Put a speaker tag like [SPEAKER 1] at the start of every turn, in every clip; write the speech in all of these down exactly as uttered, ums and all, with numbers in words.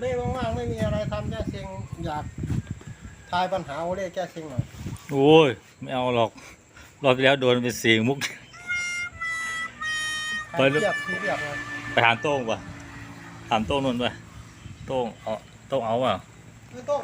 [SPEAKER 1] ล่ว่างๆไม่มีอะไรทำแก้เซ็งอยากทายปัญหาโอเล่แก้เซ็งหน่อย
[SPEAKER 2] โอ้ยไม่เอาหรอกรอบที่แล้วโดนเป็นเสียงมุก
[SPEAKER 1] ใครเทียบทีเรียบเลย
[SPEAKER 2] ไปถามโต้งป่ะถามโต้งนนท์ป่ะโต้งเอาโต้งเอาป่ะ
[SPEAKER 1] ไม่ต้อง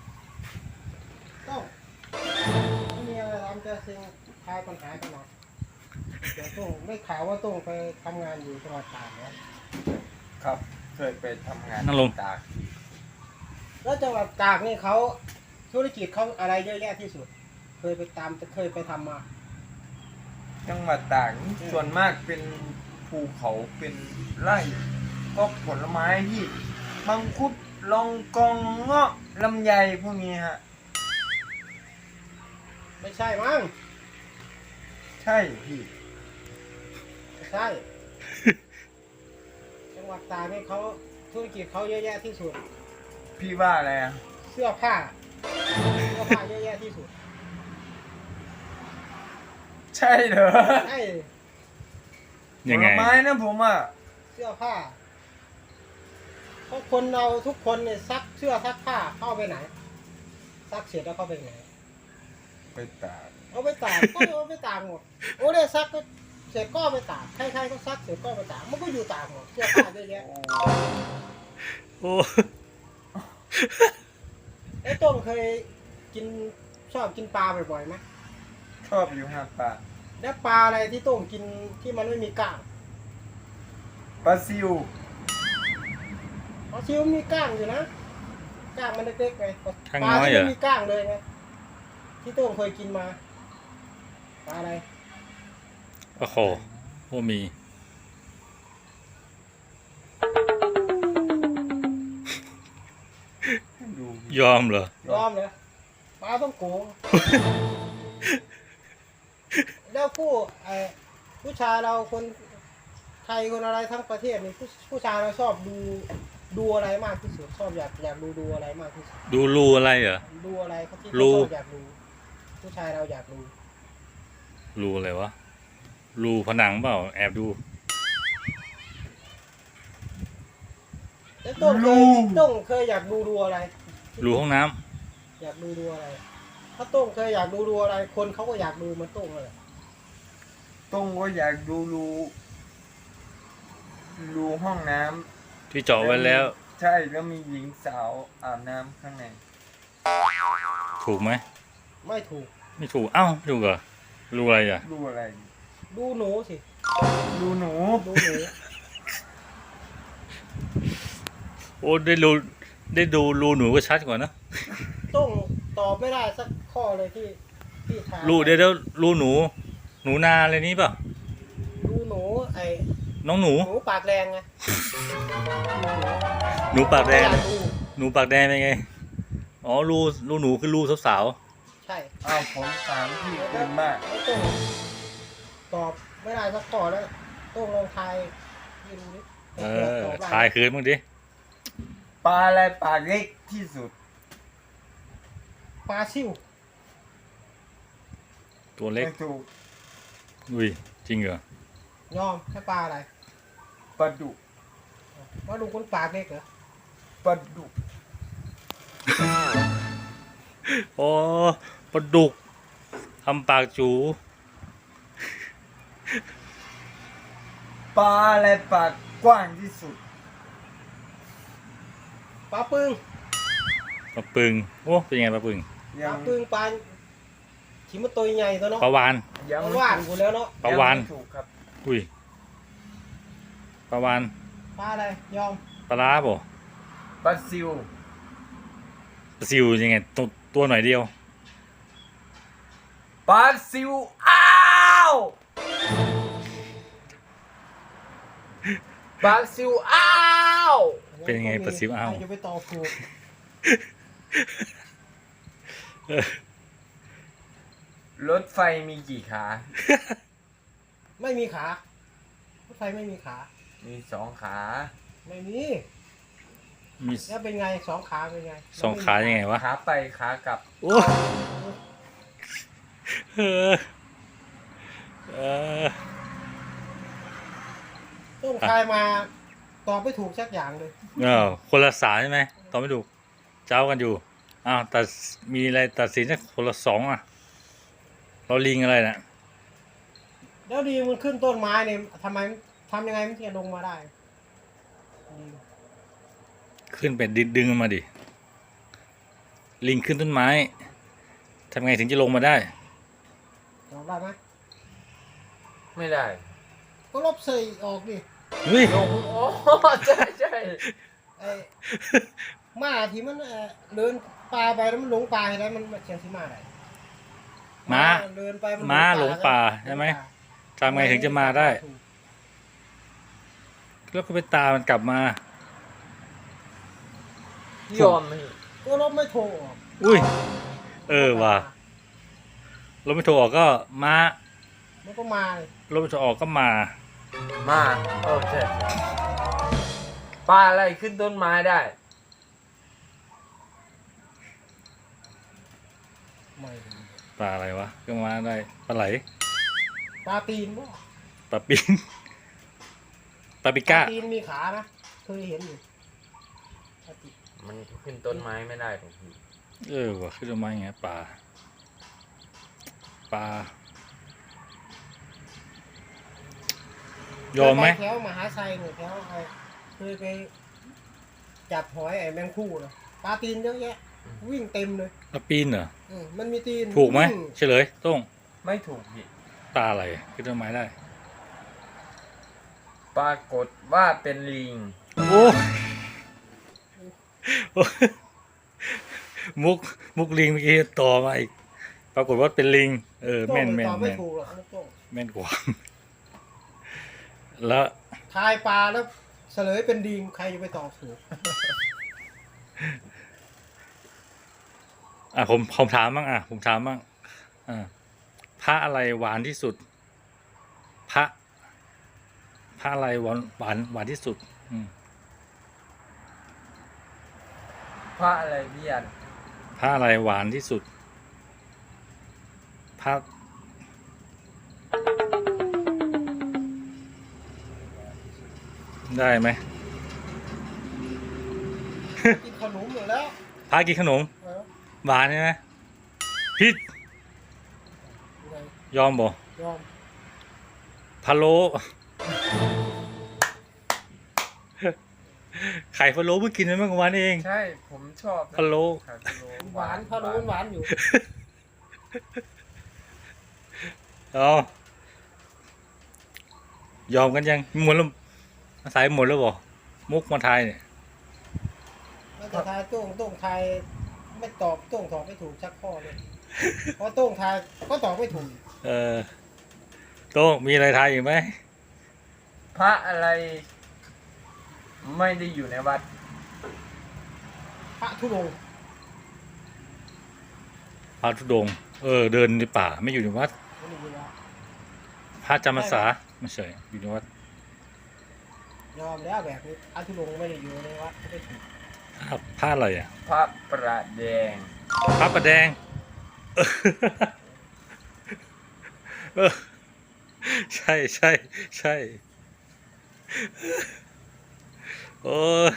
[SPEAKER 1] ต้องไม่มีอะไรทำแก้เซ็งทายปัญหากันหน่อยเดี๋ยวต้องไม่ข่าวว่าต้องไปทำงานอยู่จังหวัดตากนะครับ
[SPEAKER 3] เคยไปทำงาน
[SPEAKER 2] นั่งลง
[SPEAKER 3] ตาก
[SPEAKER 1] แล้วจังหวัดตากนี่เขาธุรกิจเขาอะไรเยอะแยะที่สุด เคยไปตามเคยไปทำมา
[SPEAKER 3] จังหวัดตากนี่ส่วนมากเป็นภูเขาเป็นไร่ก็ผลไม้ที่มังคุดลองกองเงาะลำไยพวกนี้ฮะ
[SPEAKER 1] ไม่ใช่มั้ง
[SPEAKER 3] ใช่พี่
[SPEAKER 1] ไม่ใช่ จังหวัดตากนี่เขาธุรกิจเขาเยอะแยะที่สุด
[SPEAKER 3] พี่ว่าอะไรอ่ะ
[SPEAKER 1] เสื้อผ้าเสื้อผ้าเยอะแยะที่สุด
[SPEAKER 3] ใช่เหรอ
[SPEAKER 1] ใช่
[SPEAKER 3] ผ
[SPEAKER 2] ยัง
[SPEAKER 3] ล
[SPEAKER 2] ไง
[SPEAKER 3] ไม้นะผมอ่ะ
[SPEAKER 1] เสื้อผ้าเพราะคนเราทุกคนเนี่ยซักเสื้อซักผ้าเข้าไปไหนซักเสร็จแล้วเข้าไปไหน
[SPEAKER 3] ไปตาก
[SPEAKER 1] เอาไปตากก็เอาไปตากหมดโอ้เนี่ยซักก็เสร็จก็เอาไปตากใครๆก็ซักเสร็จก็เอาไปตากมันก็อยู่ตากหมดเสื้อผ้าเยอะแยะ
[SPEAKER 2] โอ้
[SPEAKER 1] ไอ้ต้มเคยกินชอบกินปลาบ่อยๆไหม
[SPEAKER 3] ชอบอยู่ฮะปลา
[SPEAKER 1] แล้วปลาอะไรที่ต้มกินที่มันไม่มีก้าง
[SPEAKER 3] ปลาซิว
[SPEAKER 1] ปลาชิวมีก้างอยู่นะก้างมันเล็กๆไง
[SPEAKER 2] ข้าง
[SPEAKER 1] ปลา
[SPEAKER 2] น้อย
[SPEAKER 1] ที่
[SPEAKER 2] เหร
[SPEAKER 1] ไม่
[SPEAKER 2] อ
[SPEAKER 1] มีก้างเลยไงที่ต้มเคยกินมาปลาอะไร
[SPEAKER 2] โอ้โหโอ้มี
[SPEAKER 3] ดู
[SPEAKER 2] ยอมเหรอย
[SPEAKER 1] อมเลยปลาต้องโกง แล้วผู้ไอ้ผู้ชายเราคนไทยคนอะไรทั้งประเทศนี่ผู้ผู้ชายเราชอบดูดูอะไรมากที่สุดชอบอยากอยากดูดูอะไรมากที่สุด
[SPEAKER 2] ดูรูอะไรเหรอ
[SPEAKER 1] ดูอะไรเขาที่
[SPEAKER 2] รู
[SPEAKER 1] เขาชอบอยากดูผู้ชายเราอยากดู
[SPEAKER 2] รูอะไรวะรูผนังเปล่าแอบดู
[SPEAKER 1] แล้วต้งเคยต้งเคยอยากดูดูอะไร
[SPEAKER 2] รูห้องน้ำ
[SPEAKER 1] อยากดูดูอะไร ถ้าต้งเคยอยากดูดูอะไร คนเขาก็อยากดูเหมันต้งเลย
[SPEAKER 3] ต้งก็อยากดูรูรูห้องน้ำ
[SPEAKER 2] ที่เจาะไว้แล้ว
[SPEAKER 3] ใช่แล้วมีหญิงสาวอาบน้ำข้างใน
[SPEAKER 2] ถูกไหม
[SPEAKER 1] ไม่ถูก
[SPEAKER 2] ไม่ถูกเอ้าถูกเหรอรูอะไรอ่ะ
[SPEAKER 3] รูอะไร
[SPEAKER 1] ดูหนูสิ
[SPEAKER 3] รูหนู
[SPEAKER 1] ดูหนู
[SPEAKER 2] โอ้ได้รูได้ดูรูหนูก็ชัดกว่านะ
[SPEAKER 1] ต้งตอบไม่ได้สักข้อเลยที่ที่ถาม
[SPEAKER 2] รูเดี๋ยวเดี๋ยวรูหนู หนูนาอะไรนี้เปล่า
[SPEAKER 1] ดูหนูไอ้
[SPEAKER 2] น้องหนู
[SPEAKER 1] หนูปากแดงไง
[SPEAKER 2] หนูปากแดง
[SPEAKER 1] อยากดู
[SPEAKER 2] หนูปากแดงเป็นไงอ๋อรูรูหนูคือรูสาว
[SPEAKER 1] ใช่
[SPEAKER 3] อ้าวผมถามพี่เกินมาก
[SPEAKER 1] แล้วต้งตอบไม่ได้สักข้อแล้วต้งลองทายให้ดูดิ
[SPEAKER 2] ๆเอ
[SPEAKER 1] ผื่
[SPEAKER 2] อ
[SPEAKER 1] ตบได้
[SPEAKER 2] ทายคืนมึงดิ
[SPEAKER 3] ปลาอะไรปลาเล็กที่สุด
[SPEAKER 1] ปลาซิ่ว
[SPEAKER 2] ตัวเล็ก
[SPEAKER 3] ไม่ถูก
[SPEAKER 2] อุ้ยจริงเหรอย
[SPEAKER 1] อมแค่ปลาอะไร
[SPEAKER 3] ปลาดุก
[SPEAKER 1] ว่าดูคนปากเล็กเหรอ
[SPEAKER 3] ปลาดุก
[SPEAKER 2] อ๋อปลาดุกทำปากจู
[SPEAKER 3] ปลาอะไรปากกว้างที่สุด
[SPEAKER 1] ปลาปึง
[SPEAKER 2] ปลาปึงโอ้เป็นไงปลาปึง
[SPEAKER 1] ป
[SPEAKER 3] ยั
[SPEAKER 1] ลาง ปึงปลาชิมมันตัวใหญ่ตัวเนาะ
[SPEAKER 2] ปลาวาน
[SPEAKER 3] ยัง
[SPEAKER 1] ปลา
[SPEAKER 3] ไม่
[SPEAKER 1] ว่าน
[SPEAKER 3] ถู
[SPEAKER 1] กู
[SPEAKER 3] ก
[SPEAKER 1] แล้วเนาะ
[SPEAKER 2] ปลาวาน
[SPEAKER 3] ยังไม่ถูกครับ
[SPEAKER 2] อุ้ยปลาวาน
[SPEAKER 1] ปลาอะไรยอม
[SPEAKER 2] ปลาร้าป่ะ
[SPEAKER 3] ปลาซิว
[SPEAKER 2] ปลาซิวยังไงตัวตัวหน่อยเดียว
[SPEAKER 3] ปลาซิวอ้าวปลาซิวอ้าว
[SPEAKER 2] เป็นยังไงปลาซิวอ้าว
[SPEAKER 1] ใครจะไปต่อผูก
[SPEAKER 3] รถไฟมีกี่ขา
[SPEAKER 1] ไม่มีขารถไฟไม่มีขา
[SPEAKER 3] มีสองขา
[SPEAKER 1] ไม่มี
[SPEAKER 2] มี
[SPEAKER 1] แล้วเป็นไงสองขาเป็นไง
[SPEAKER 2] สองขายังไงวะ
[SPEAKER 3] ขาไปขากลับ
[SPEAKER 2] โอ้เออเออ
[SPEAKER 1] ต้มคายมาตอบไม่ถูกสักอย่างเลย
[SPEAKER 2] เออคนละสายใช่ไหมตอบไม่ถูกเจ้ากันอยู่อ้าวแต่มีอะไรตัดสินสักคนละสองอ่ะเราลิงอะไรนะ
[SPEAKER 1] แล้วดีมันขึ้นต้นไม้เนี่ยทำไมทำยังไงมันถึงจะลงมาได้ดี
[SPEAKER 2] ขึ้นไปดึงดึงมันมาดิลิงขึ้นต้นไม้ทำไงถึงจะลงมาได้
[SPEAKER 1] ตอบได้ไหม
[SPEAKER 3] ไม่ได้
[SPEAKER 1] ก็ลบใส่ออกดิ
[SPEAKER 2] เฮ้ย
[SPEAKER 3] ลงโอ้ใช่ใช่
[SPEAKER 1] ไอ้หมาที่มันเอ่อเดินป่าไปแล้วมันหลงป่าเห็นไหมมันมันเชียงที่มาไหน
[SPEAKER 2] ม้า
[SPEAKER 1] เดินไปมัน
[SPEAKER 2] ม้าหลงป่าใช่ไหม ทำไงถึงจะมาได้ แล้วก็ไปตามมันกลับมา
[SPEAKER 3] ยอมไหม
[SPEAKER 1] ก็ลบไม่โทรออก
[SPEAKER 2] อุ้ย เออว่ะรถไม่โทรออกก็ม้า
[SPEAKER 1] มันก็มาเลย
[SPEAKER 2] รถไม่โทรออกก็มา
[SPEAKER 3] มาโอ้ใช่ใช่ปลาอะไรขึ้นต้นไม้ได้
[SPEAKER 1] ไม่รู้
[SPEAKER 2] ปลาอะไรวะก็มาได้ปลาไหล
[SPEAKER 1] ปลาตีนบ่
[SPEAKER 2] ปลาปิงปลาปิ
[SPEAKER 1] ปลา
[SPEAKER 2] ก้า
[SPEAKER 1] ตีนมีขานะเคยเห็นอยู่ปลาตีน
[SPEAKER 3] มันขึ้นต้นไม้ไม่ได้ผมพี่
[SPEAKER 2] เออว่ะขึ้นมาอย่างเงี้ยปลาปลายอมไหม
[SPEAKER 1] เคยปแถวมหาไซเนี่ยแถวไอ้เคยไปจับหอยไอ้แมงคู่นะปลาตีนเยอะแยะ วิ่งเต็มเลย
[SPEAKER 2] ปลาปีนเหรอ
[SPEAKER 1] เออมันมีตีน
[SPEAKER 2] ถูกไหม
[SPEAKER 1] วิ่ง
[SPEAKER 2] เฉลยต้อง
[SPEAKER 3] ไม่ถูกพี่
[SPEAKER 2] ปลาอะไรขึ้นต้นไม้ได้
[SPEAKER 3] ปรากฏว่าเป็นลิง
[SPEAKER 2] โอ้มุกมุกลิงเมื่อกี้ต่อมาอีกปรากฏว่าเป็นลิง เออ
[SPEAKER 1] โต้
[SPEAKER 2] แม่
[SPEAKER 1] ง
[SPEAKER 2] นแม่น
[SPEAKER 1] ตอบไม่
[SPEAKER 2] แม่น
[SPEAKER 1] ถูกหรอกโต้ง
[SPEAKER 2] แม่นกว่า แล้ว
[SPEAKER 1] ทายปลาแล้วเฉลยเป็นดีมใครจะไปตอบถูก
[SPEAKER 2] อ่ะผมผมถามบ้างอ่ะผมถามบ้างอ่าพระอะไรหวานที่สุด พระ พระอะไรหวานหวานหวานที่สุด อืม
[SPEAKER 3] พระอะไรพี่ยัน
[SPEAKER 2] พระอะไรหวานที่สุด พระ ได้ไหม
[SPEAKER 1] กินขนมอยู่แล้ว
[SPEAKER 2] พระกินขนม
[SPEAKER 1] เออ
[SPEAKER 2] หวานใช่ไหมพิษ
[SPEAKER 1] ยังไง
[SPEAKER 2] ยอมบ่
[SPEAKER 1] ยอม
[SPEAKER 2] พะโล้ไข่พะโล้เพิ่งกินไปเมื่อวันเอง
[SPEAKER 3] ใช่ผมชอบนะ
[SPEAKER 2] พะโล้
[SPEAKER 3] ไข่พะโล้
[SPEAKER 1] หวานพะโล้หวานอยู่
[SPEAKER 2] เอายอมกันยังหมดแล้วสายหมดแล้วบ่มุกมาทายเนี่ย
[SPEAKER 1] แล้วแต่ทายโต้งโต้งทายไม่ตอบโต้งตอบไม่ถูกสักข้อเลยเพราะโต้งทายก็ตอบไม่ถูก
[SPEAKER 2] เออโต้งมีอะไรทายอีกไหม
[SPEAKER 3] พระอะไร ไม่ได้อยู่ในวัด
[SPEAKER 1] พระธุดงค์
[SPEAKER 2] พระธุดงค์เออ เดินในป่าไม่อยู่ในวัด
[SPEAKER 1] ไม่ได้ยินว่า
[SPEAKER 2] พระจำพรรษาไม่ใช่อยู่ในวัด
[SPEAKER 1] ยอมแล้วแบบนี้พระธุดงค์ไม่ได้อยู่ในวัดไม่ได้ถูก
[SPEAKER 2] พระพระอะไรอ่ะ
[SPEAKER 3] พระประแดง
[SPEAKER 2] พระประแดง เออใช่ใช่ใช่โอ้ย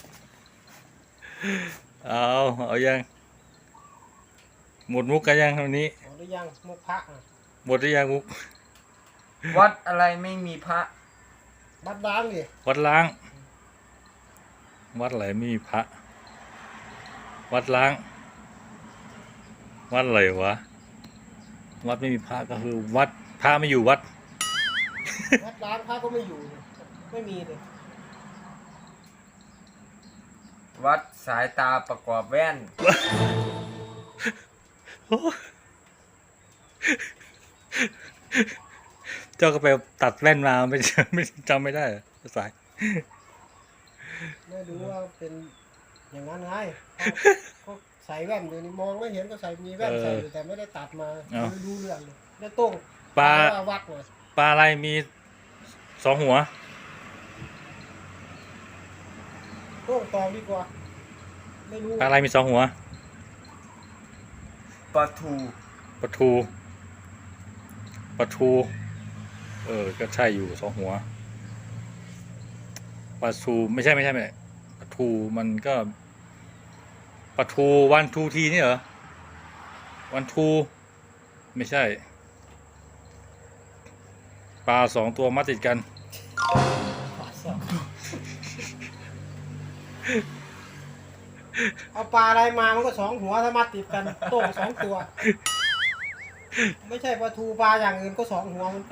[SPEAKER 2] เอาเอายังหมดมุกกันยังวันนี้
[SPEAKER 1] หมดหรือยังมุกพระอ่ะ
[SPEAKER 2] หมดหรือยังมุก
[SPEAKER 3] วัดอะไรไม่มีพระ
[SPEAKER 1] บัดล้างดิ
[SPEAKER 2] วัดล้าง วัดอะไรไม่มีพระ วัดล้าง วัดอะไรวะ วัดไม่มีพระก็คือ วัดพระไม่อยู่วัด
[SPEAKER 1] บัดล้างพระก็ไม่อยู่ไม่มีเลย
[SPEAKER 3] วัดสายตาประกอบแว่น
[SPEAKER 2] เจ้าก็ไปตัดแว่นมาไม่ ไม่จำไม่ได้เหรอสาย
[SPEAKER 1] ไม่รู้ว่าเป็นอย่างนั้นไงก็ใส่แว่นอยู่นี่มองไม่เห็นก็ใส่มีแว่นใส่อยู่แต่ไม่ได้ตัดมาไม่รู้เรื่องเลยแล้วโต้ง
[SPEAKER 2] ปลา
[SPEAKER 1] ว่าวัดเลย
[SPEAKER 2] ปลาอะไรมีสองหัว
[SPEAKER 1] โต้งตอบดีกว่า ไม่รู้
[SPEAKER 2] ปลาอะไรมีสองหัว
[SPEAKER 3] ปลาทู
[SPEAKER 2] ปลาทูปลาทู เออ ก็ใช่อยู่สองหัวปลาทูไม่ใช่ไม่ใช่ไม่ใช่ปลาทูมันก็ปลาทูวันทูทีนี่เหรอวันทูไม่ใช่ปลาสองตัวมาติดกัน
[SPEAKER 1] เอาปลาอะไรมามันก็สองหัวถ้ามัดติดกันโต้งสองตัว ไม่ใช่ปลาทูปลาอย่างอื่นก็สองหัวเหมือนกัน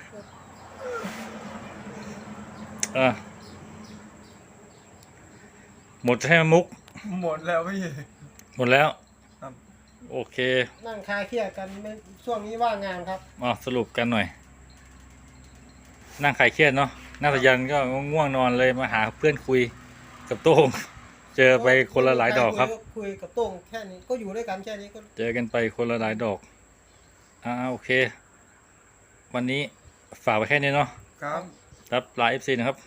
[SPEAKER 2] อ่ะหมดใช่ไหมมุก
[SPEAKER 3] หมดแล้วพี่
[SPEAKER 2] หมดแล้ว
[SPEAKER 3] ครับ
[SPEAKER 2] โอเค
[SPEAKER 1] นั่งคลายเครียดกันไม่ช่วงนี้ว่างงานครับ
[SPEAKER 2] มาสรุปกันหน่อย นั่งคลายเครียดเนาะนั่งสยันก็ง่วงนอนเลยมาหาเพื่อนคุยกับโต้ง เจอไปคนละหลายดอกครับ
[SPEAKER 1] คุยกับโต้งแค่นี้ก็อยู่ด้วยกันแค่นี้ก็
[SPEAKER 2] เจอกันไปคนละหลายดอกอ่าโอเค วันนี้ฝากไว้แค่นี้เนาะ
[SPEAKER 3] ครับ
[SPEAKER 2] รับลาเอฟซีนะครับ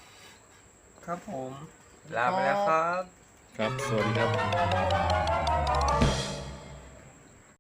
[SPEAKER 3] ครับผม ลาไปแล้วครับ
[SPEAKER 2] ครับ สวัสดีครับ